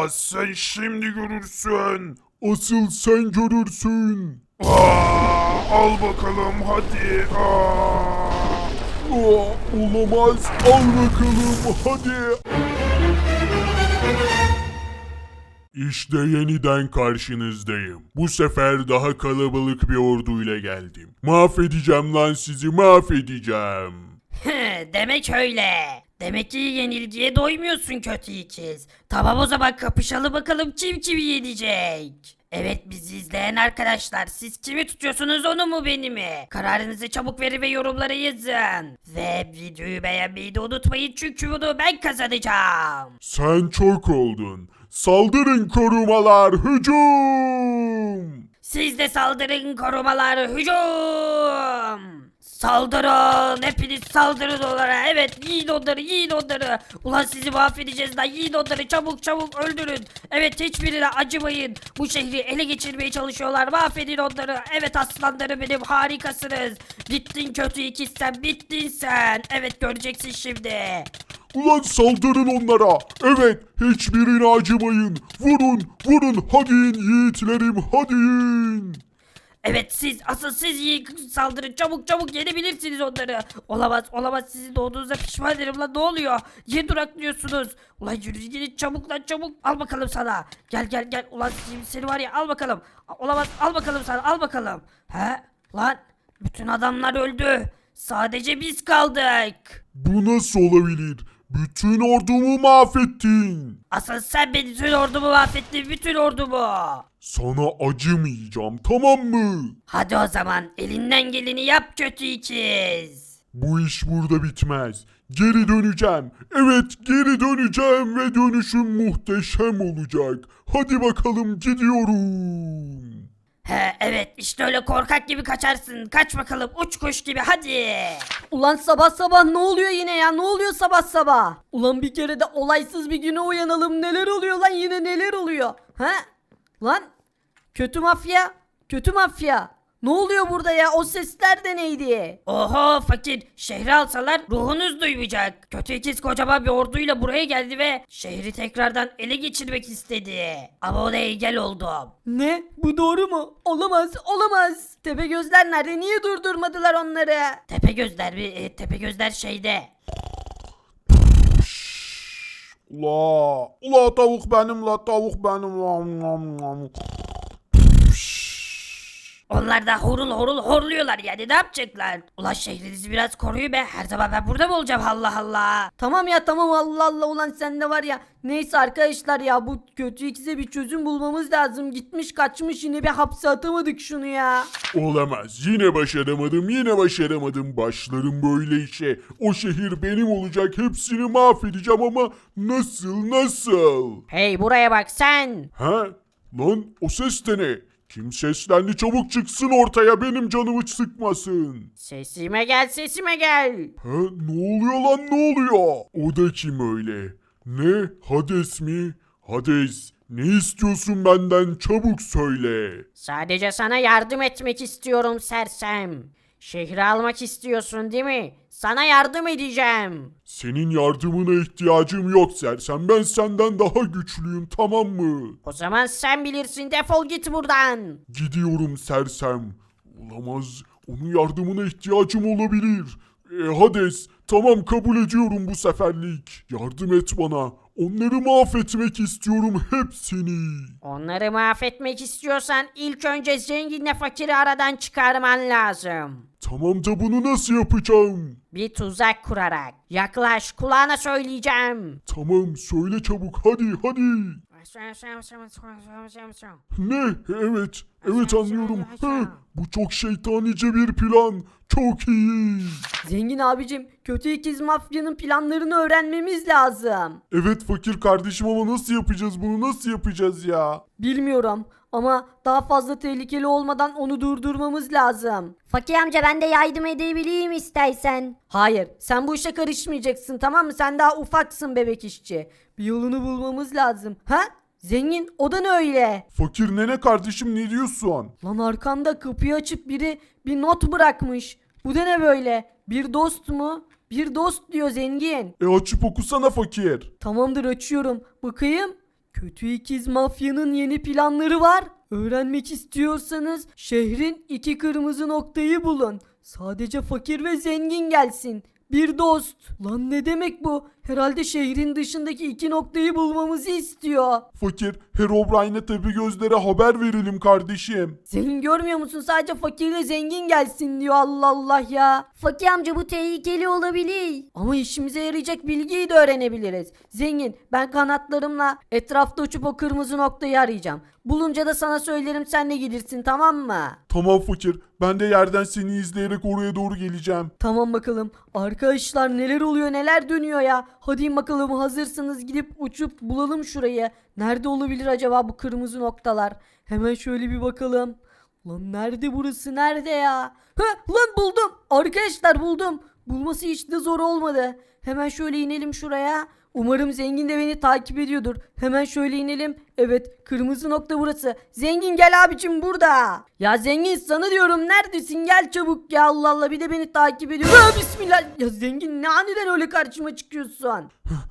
Olamaz, sen şimdi görürsün. Asıl sen görürsün. Al bakalım hadi. Olamaz. Al bakalım hadi. İşte yeniden karşınızdayım. Bu sefer daha kalabalık bir orduyla geldim. Mahvedeceğim lan sizi, mahvedeceğim. Demek öyle. Demek ki yenilgiye doymuyorsun kötü ikiz. Tamam o zaman kapışalım bakalım kim kimi yenecek. Evet bizi izleyen arkadaşlar siz kimi tutuyorsunuz onu mu beni mi? Kararınızı çabuk verin ve yorumlara yazın. Ve videoyu beğenmeyi de unutmayın çünkü bunu ben kazanacağım. Sen çok oldun. Saldırın korumalar, hücum! Siz de saldırın korumalar hücum. Saldırın hepiniz saldırın onlara evet yiyin onları yiyin onları. Ulan sizi mahvedeceğiz lan yiyin onları çabuk çabuk öldürün. Evet hiçbirine acımayın. Bu şehri ele geçirmeye çalışıyorlar mahvedin onları. Evet aslanlarım benim harikasınız. Bittin kötü ikiz sen bittin sen. Evet göreceksin şimdi. Ulan saldırın onlara. Evet, hiçbirine acımayın. Vurun, vurun. Hadi in yiğitlerim, hadi in. Evet asıl siz iyi saldırın çabuk çabuk yenebilirsiniz onları. Olamaz sizin doğduğunuza pişman ederim lan ne oluyor? Niye duraklıyorsunuz? Ulan yürü çabuk lan çabuk al bakalım sana. Gel ulan seni var ya al bakalım. Olamaz al bakalım sana al bakalım. He lan bütün adamlar öldü. Sadece biz kaldık. Bu nasıl olabilir? Bütün ordumu mahvettin. Asıl sen beni bütün ordumu mahvettin bütün ordumu. Sana acımayacağım, tamam mı? Hadi o zaman elinden geleni yap kötü ikiz. Bu iş burada bitmez. Geri döneceğim. Evet, geri döneceğim ve dönüşüm muhteşem olacak. Hadi bakalım gidiyorum. He evet işte öyle korkak gibi kaçarsın. Kaç bakalım uç kuş gibi hadi. Ulan sabah sabah ne oluyor yine ya? Ne oluyor sabah sabah? Ulan bir kere de olaysız bir güne uyanalım. Neler oluyor lan yine neler oluyor? Ha? Lan kötü mafya. Kötü mafya. Ne oluyor burada ya? O sesler de neydi? Oho fakir şehri alsalar ruhunuz duymayacak. Kötü ikiz kocaman bir orduyla buraya geldi ve şehri tekrardan ele geçirmek istedi. Ama ona engel oldum. Ne? Bu doğru mu? Olamaz, olamaz. Tepegözler nerede? Niye durdurmadılar onları? Tepegözler şeyde. Ula tavuk benim la tavuk benim la. Onlar da horul horul horluyorlar yani ne yapacaklar? Ulan şehrinizi biraz koruyun be her zaman ben burada mı olacağım Allah Allah. Tamam ya tamam Allah Allah ulan sen de var ya. Neyse arkadaşlar ya bu kötü ikize bir çözüm bulmamız lazım. Gitmiş kaçmış yine bir hapse atamadık şunu ya. Olamaz. Yine başaramadım. Başlarım böyle işe. O şehir benim olacak. Hepsini mahvedeceğim ama nasıl? Hey buraya bak sen. Ha? Lan o ses de ne? Kim seslendi çabuk çıksın ortaya benim canımı sıkmasın. Sesime gel sesime gel. Ha? Ne oluyor lan ne oluyor? O da kim öyle? Ne? Hades mi? Hades ne istiyorsun benden çabuk söyle. Sadece sana yardım etmek istiyorum sersem. Şehri almak istiyorsun değil mi? Sana yardım edeceğim. Senin yardımına ihtiyacım yok sersem. Ben senden daha güçlüyüm tamam mı? O zaman sen bilirsin defol git buradan. Gidiyorum sersem. Olamaz. Onun yardımına ihtiyacım olabilir. Hades, tamam kabul ediyorum bu seferlik. Yardım et bana. Onları mahvetmek istiyorum hepsini. Onları mahvetmek istiyorsan ilk önce zenginle fakiri aradan çıkarman lazım. Tamam da bunu nasıl yapacağım? Bir tuzak kurarak. Yaklaş kulağına söyleyeceğim. Tamam söyle çabuk hadi. Ne? Evet anlıyorum. Bu çok şeytanice bir plan. Çok iyi. Zengin abicim kötü ikiz mafyanın planlarını öğrenmemiz lazım. Evet fakir kardeşim ama nasıl yapacağız bunu nasıl yapacağız ya? Bilmiyorum ama daha fazla tehlikeli olmadan onu durdurmamız lazım. Fakir amca ben de yardım edebileyim istersen. Hayır sen bu işe karışmayacaksın tamam mı? Sen daha ufaksın bebek işçi. Bir yolunu bulmamız lazım. Ha? Zengin o da ne öyle? Fakir nene kardeşim ne diyorsun? Lan arkanda kapıyı açıp biri bir not bırakmış. Bu da ne böyle? Bir dost mu? Bir dost diyor zengin. Açıp okusana fakir. Tamamdır açıyorum. Bakayım. Kötü ikiz mafyanın yeni planları var. Öğrenmek istiyorsanız şehrin 2 kırmızı noktayı bulun. Sadece fakir ve zengin gelsin. Bir dost. Lan ne demek bu? Herhalde şehrin dışındaki 2 noktayı bulmamızı istiyor. Fakir, Herobrine'e Tepegözlere haber verelim kardeşim. Zengin görmüyor musun? Sadece fakirle zengin gelsin diyor, Allah Allah ya. Fakir amca bu tehlikeli olabilir. Ama işimize yarayacak bilgiyi de öğrenebiliriz. Zengin, ben kanatlarımla etrafta uçup o kırmızı noktayı arayacağım. Bulunca da sana söylerim, sen de gelirsin, tamam mı? Tamam fakir, ben de yerden seni izleyerek oraya doğru geleceğim. Tamam bakalım. Arkadaşlar neler oluyor, neler dönüyor ya. Hadi bakalım, hazırsınız, gidip uçup bulalım şurayı. Nerede olabilir acaba bu kırmızı noktalar? Hemen şöyle bir bakalım. Lan nerede burası, nerede ya? Lan buldum. Arkadaşlar buldum. Bulması hiç de zor olmadı. Hemen şöyle inelim şuraya. Umarım zengin de beni takip ediyordur. Hemen şöyle inelim. Evet, kırmızı nokta burası. Zengin gel abicim, burada. Ya zengin, sana diyorum, neredesin? Gel çabuk ya, Allah Allah, bir de beni takip ediyor. Bismillah. Ya zengin, ne aniden öyle karşıma çıkıyorsun?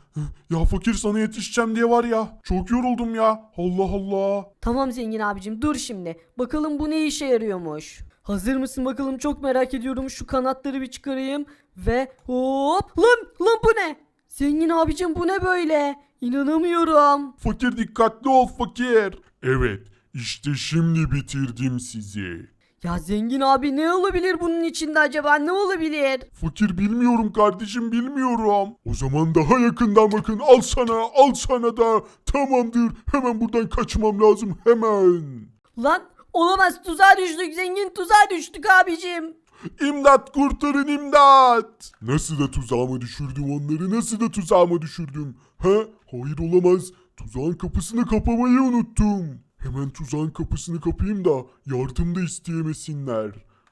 Ya fakir, sana yetişeceğim diye var ya. Çok yoruldum ya. Allah Allah. Tamam zengin abicim, dur şimdi. Bakalım bu ne işe yarıyormuş. Hazır mısın bakalım, çok merak ediyorum. Şu kanatları bir çıkarayım. Ve hop. Lan bu ne? Zengin abicim, bu ne böyle? İnanamıyorum. Fakir, dikkatli ol fakir. Evet, işte şimdi bitirdim sizi. Ya zengin abi, ne olabilir bunun içinde acaba, ne olabilir? Fakir, bilmiyorum kardeşim, bilmiyorum. O zaman daha yakından bakın, al sana da. Tamamdır, hemen buradan kaçmam lazım, hemen. Lan olamaz, tuzağa düştük zengin, tuzağa düştük abicim. İmdat, kurtarın, imdat. Nasıl da tuzağıma düşürdüm onları, nasıl da tuzağıma düşürdüm. Hayır, olamaz. Tuzağın kapısını kapamayı unuttum. Hemen tuzağın kapısını kapayım da yardım da isteyemesinler.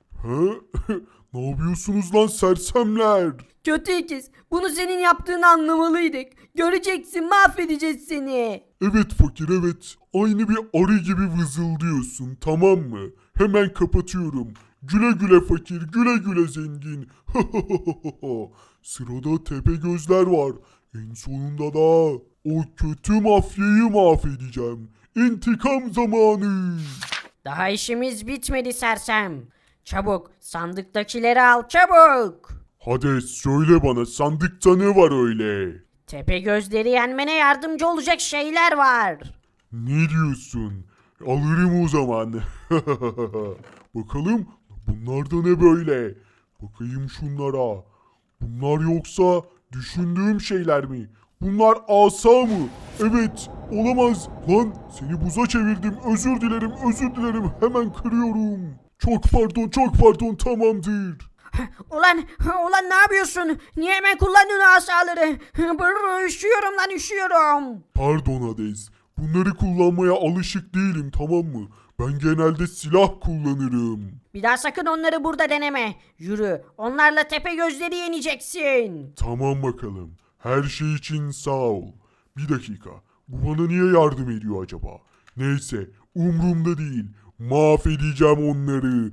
Ne yapıyorsunuz lan sersemler? Kötü ikiz, bunu senin yaptığını anlamalıydık. Göreceksin, mahvedeceğiz seni. Evet fakir, evet. Aynı bir arı gibi vızıldıyorsun, tamam mı? Hemen kapatıyorum. Güle güle fakir, güle güle zengin. Sırada Tepegözler var. En sonunda da o kötü mafyayı mahvedeceğim. İntikam zamanı. Daha işimiz bitmedi sersem. Çabuk sandıktakileri al çabuk. Hades, söyle bana, sandıkta ne var öyle? Tepe gözleri yenmene yardımcı olacak şeyler var. Ne diyorsun? Alırım o zaman. Bakalım bunlar da ne böyle? Bakayım şunlara. Bunlar yoksa düşündüğüm şeyler mi? Bunlar asa mı? Evet, olamaz. Lan seni buza çevirdim. Özür dilerim, özür dilerim. Hemen kırıyorum. Çok pardon, tamamdır. Ulan ne yapıyorsun? Niye hemen kullanıyorsun asaları? Üşüyorum lan, üşüyorum. Pardon Hades. Bunları kullanmaya alışık değilim, tamam mı? Ben genelde silah kullanırım. Bir daha sakın onları burada deneme. Yürü, onlarla tepe gözleri yeneceksin. Tamam bakalım. Her şey için sağ ol. Bir dakika. Bu bana niye yardım ediyor acaba? Neyse, umrumda değil. Mahvedeceğim onları.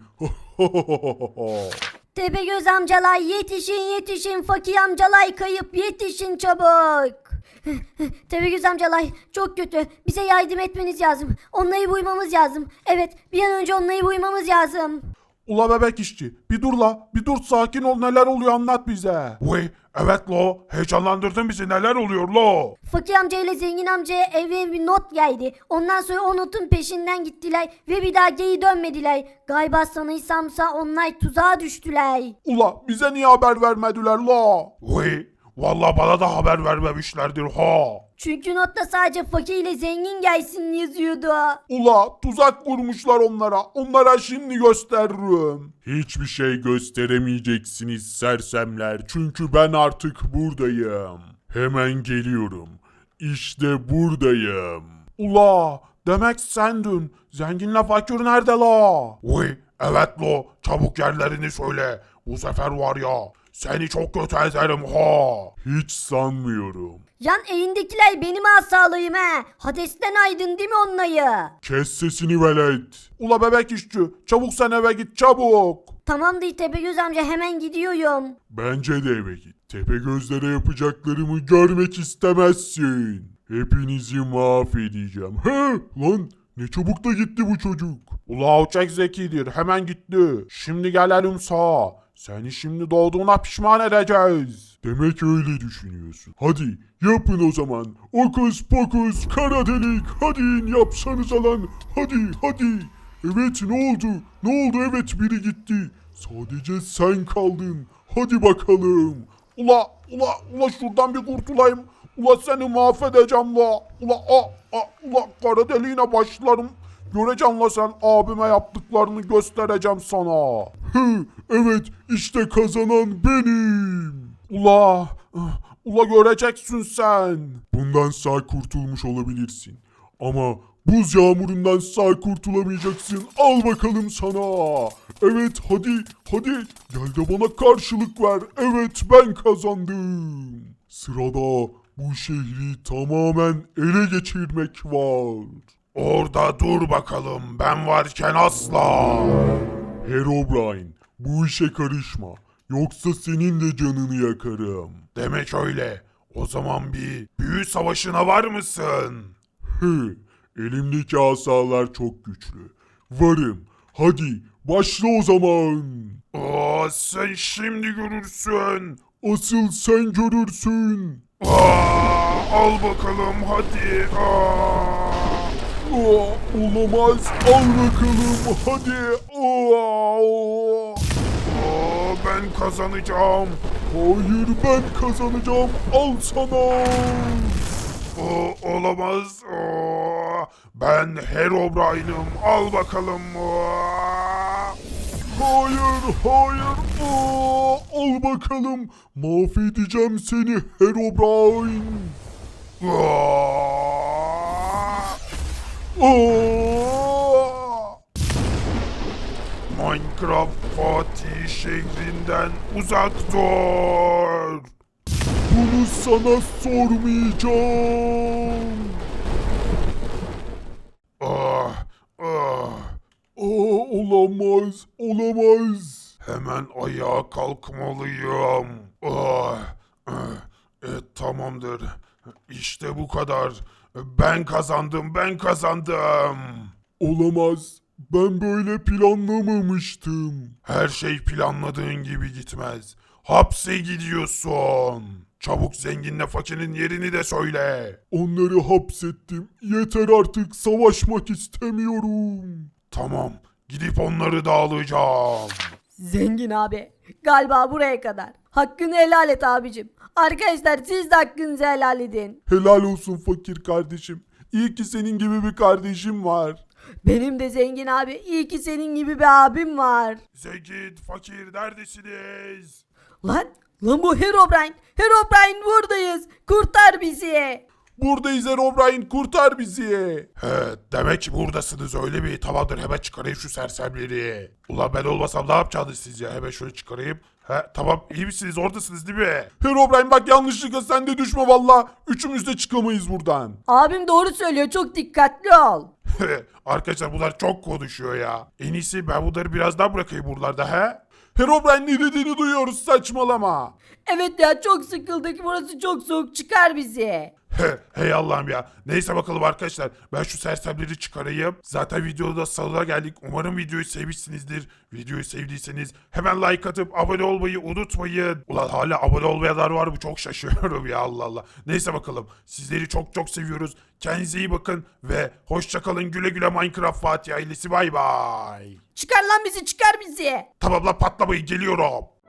Tepegöz amcalar, yetişin, fakir amcalar kayıp, yetişin çabuk. Tepegöz amcalar çok kötü, bize yardım etmeniz lazım, onları buymamız lazım. Evet, bir an önce onları buymamız lazım. Ula bebek işçi, bir dur la, bir dur, sakin ol, neler oluyor anlat bize. Vay, evet lo, heyecanlandırdın bizi, neler oluyor lo. Fakir amca ile zengin amcaya eve bir not geldi. Ondan sonra o notun peşinden gittiler ve bir daha geri dönmediler. Galiba sanırsamsa onlar tuzağa düştüler. Ula bize niye haber vermediler la? Vay, vallahi bana da haber vermemişlerdir ha. Çünkü notta sadece fakir ile zengin gelsin yazıyordu. Ula tuzak kurmuşlar onlara. Onlara şimdi gösteririm. Hiçbir şey gösteremeyeceksiniz sersemler. Çünkü ben artık buradayım. Hemen geliyorum. İşte buradayım. Ula demek sendin. Zenginle fakir nerede la? Uy evet lo. Çabuk yerlerini söyle. Bu sefer var ya. Seni çok kötü ederim ha. Hiç sanmıyorum. Yan elindekiler benim asalığım he. Hades'ten aydın değil mi onları? Kes sesini velet. Ula bebek işçi, çabuk sen eve git çabuk. Tamamdır Tepegöz amca, hemen gidiyorum. Bence de eve git. Tepe gözlere yapacaklarımı görmek istemezsin. Hepinizi mahvedeceğim. He lan ne çabuk da gitti bu çocuk. Ula çok zekidir hemen gitti. Şimdi gelelim sağa. Seni şimdi doğduğuna pişman edeceğiz. Demek öyle düşünüyorsun. Hadi yapın o zaman. Okus pokus kara delik. Hadi yapsanıza lan. Hadi. Evet ne oldu? Ne oldu? Evet biri gitti. Sadece sen kaldın. Hadi bakalım. Ula şuradan bir kurtulayım. Ula seni mahvedeceğim la. Ula kara deliğine başlarım. Göreceksin la sen abime yaptıklarını göstereceğim sana. Evet işte kazanan benim. Ula göreceksin sen. Bundan sağ kurtulmuş olabilirsin. Ama buz yağmurundan sağ kurtulamayacaksın. Al bakalım sana. Evet hadi. Gel de bana karşılık ver. Evet ben kazandım. Sırada bu şehri tamamen ele geçirmek var. Orada dur bakalım, ben varken asla. Herobrine, bu işe karışma. Yoksa senin de canını yakarım. Demek öyle. O zaman bir büyü savaşına var mısın? Elimdeki asalar çok güçlü. Varım. Hadi başla o zaman. Sen şimdi görürsün. Asıl sen görürsün. Al bakalım hadi. Olamaz. Al bakalım. Hadi. Ben kazanacağım. Hayır ben kazanacağım. Al sana. Olamaz. Ben Herobrine'ım. Al bakalım. Hayır. Al bakalım. Mahvedeceğim seni Herobrine. Minecraft Fatih şehrinden uzak dur. Bunu sana sormayacağım. Olamaz. Hemen ayağa kalkmalıyım. Tamamdır. İşte bu kadar. Ben kazandım. Olamaz. Ben böyle planlamamıştım. Her şey planladığın gibi gitmez. Hapse gidiyorsun. Çabuk zenginle fakirin yerini de söyle. Onları hapsettim. Yeter artık savaşmak istemiyorum. Tamam, gidip onları da alacağım. Zengin abi galiba buraya kadar. Hakkını helal et abicim. Arkadaşlar siz de hakkınızı helal edin. Helal olsun fakir kardeşim. İyi ki senin gibi bir kardeşim var. Benim de zengin abi. İyi ki senin gibi bir abim var. Zengin, fakir neredesiniz? Lan bu Herobrine. Herobrine buradayız. Kurtar bizi. Buradayız Herobrine kurtar bizi. Demek ki buradasınız öyle mi? Tamamdır, hemen çıkarayım şu sersemleri. Ulan ben olmasam ne yapacaksınız siz ya? Hemen şöyle çıkarayım. Tamam, iyi misiniz, oradasınız değil mi? Herobrine bak yanlışlıkla sen de düşme valla. Üçümüz de çıkamayız buradan. Abim doğru söylüyor. Çok dikkatli ol. Arkadaşlar bunlar çok konuşuyor ya. En iyisi ben bunları biraz daha bırakayım buralarda he? Herobrine ne dediğini duyuyoruz saçmalama. Evet ya çok sıkıldık. Burası çok soğuk. Çıkar bizi. Hey Allah'ım ya. Neyse bakalım arkadaşlar. Ben şu sersemleri çıkarayım. Zaten videoda sonuna geldik. Umarım videoyu sevmişsinizdir. Videoyu sevdiyseniz hemen like atıp abone olmayı unutmayın. Ulan hala abone olmayanlar var mı? Çok şaşırıyorum ya Allah Allah. Neyse bakalım. Sizleri çok seviyoruz. Kendinize iyi bakın ve hoşça kalın. Güle güle Minecraft Fatih ailesi. Bay bay. Çıkar lan bizi. Çıkar bizi. Tamam lan patlamayın, geliyorum.